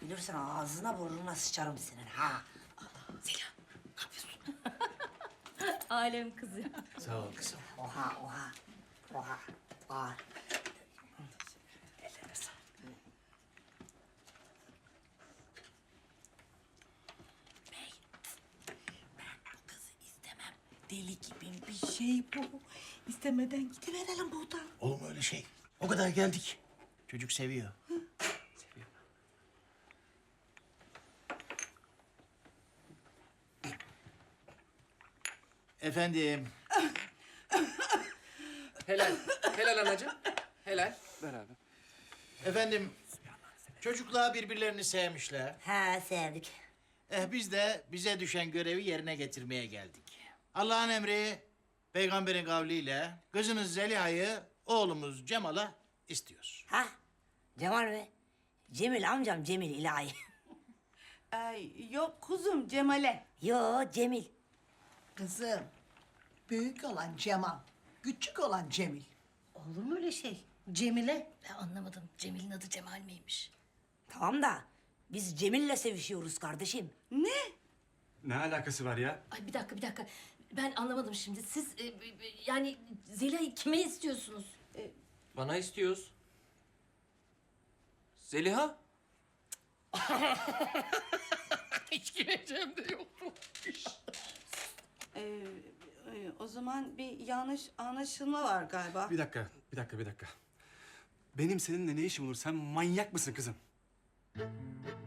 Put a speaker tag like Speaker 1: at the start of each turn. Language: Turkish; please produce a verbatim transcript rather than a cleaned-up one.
Speaker 1: Bilirsin ağzına burnuna sıçarım senin ha.
Speaker 2: Zeliha, ne yapıyorsun? Alem kızı.
Speaker 3: Sağ ol kızım.
Speaker 1: Oha oha. Oha. Oha. Ellerine sağlık.
Speaker 2: Bey, ben bu kızı istemem. Deli gibi bir şey bu. İstemeden gidiverelim buradan.
Speaker 3: Olur mu öyle şey? O kadar geldik. Çocuk seviyor. Seviyor. Efendim,
Speaker 4: Helal. Helal anacığım. Helal. Ver abi.
Speaker 3: efendim. Çocuklar birbirlerini sevmişler.
Speaker 1: He sevdik.
Speaker 3: Eh biz de bize düşen görevi yerine getirmeye geldik. Allah'ın emri, peygamberin kavliyle kızınız Zeliha'yı oğlumuz Cemal'a istiyoruz.
Speaker 1: Ha? Cemal mi? Cemil amcam Cemil ilahi.
Speaker 2: Ay, yok kuzum Cemal'e.
Speaker 1: Yo Cemil.
Speaker 5: Kızım, büyük olan Cemal, küçük olan Cemil.
Speaker 6: Olur mu öyle şey? Cemile.
Speaker 2: Ben anlamadım. Cemil'in adı Cemal miymiş?
Speaker 1: Tamam da biz Cemil'le sevişiyoruz kardeşim.
Speaker 2: Ne?
Speaker 7: Ne alakası var ya?
Speaker 2: Ay bir dakika bir dakika. Ben anlamadım şimdi. Siz e, e, yani Zeliha'yı kime istiyorsunuz?
Speaker 4: Bana istiyoruz. Zeliha? Hiç gireceğim de yoktu.
Speaker 2: Ee, e, o zaman bir yanlış anlaşılma var galiba.
Speaker 7: Bir dakika, bir dakika, bir dakika. Benim seninle ne işim olur? Sen manyak mısın kızım?